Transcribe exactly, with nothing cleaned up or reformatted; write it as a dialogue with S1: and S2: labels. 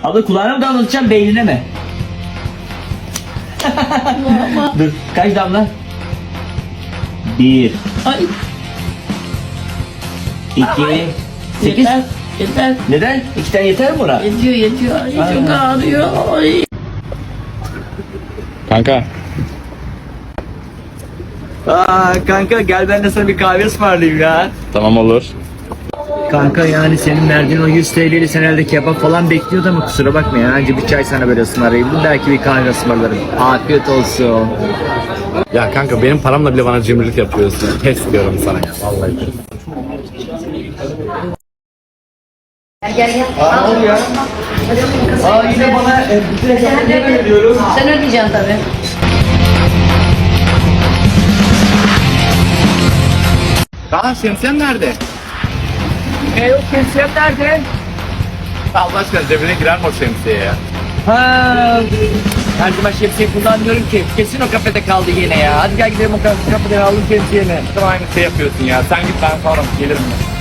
S1: Abla kulağına mı damlatacağım beynine mi? Dur kaç damla? Bir.
S2: Ay.
S1: İki. Sekiz.
S2: Yeter. Yeter.
S1: Neden? İki tane yeter mi buna?
S2: Yetiyor yetiyor. Ay,
S1: Ay.
S2: çok ağrıyor. Ay.
S3: Kanka.
S1: Aa kanka gel ben de sana bir kahve ısmarlayayım ya.
S3: Tamam olur.
S1: Kanka yani senin verdiğin o yüz T L'li sen herhalde kebap falan bekliyordu ama kusura bakma ya. Önce bir çay sana böyle ısmarlayayım. Belki bir kahve ısmarlarım. Afiyet olsun.
S3: Ya kanka benim paramla bile bana cimrilik yapıyorsun. Pes diyorum sana ya. Vallahi.
S2: Gel gel gel.
S1: Aa ne oluyor? Aa yine bana e, bütün hesapları veriyorum.
S2: Sen ödeyeceksin tabii.
S3: Aa şemsiyen nerede?
S1: E yok kesiyem nerede?
S3: Allah aşkına cebine girer mi o şemsiye ya?
S1: Ha. Her zaman şemsiye kullanmıyorum ki. Kesin o kafede kaldı yine ya. Hadi gel gidelim o kafede alalım şemsiyeni.
S3: Sen aynı şey yapıyorsun ya. Sen git ben sonra gelirim ben.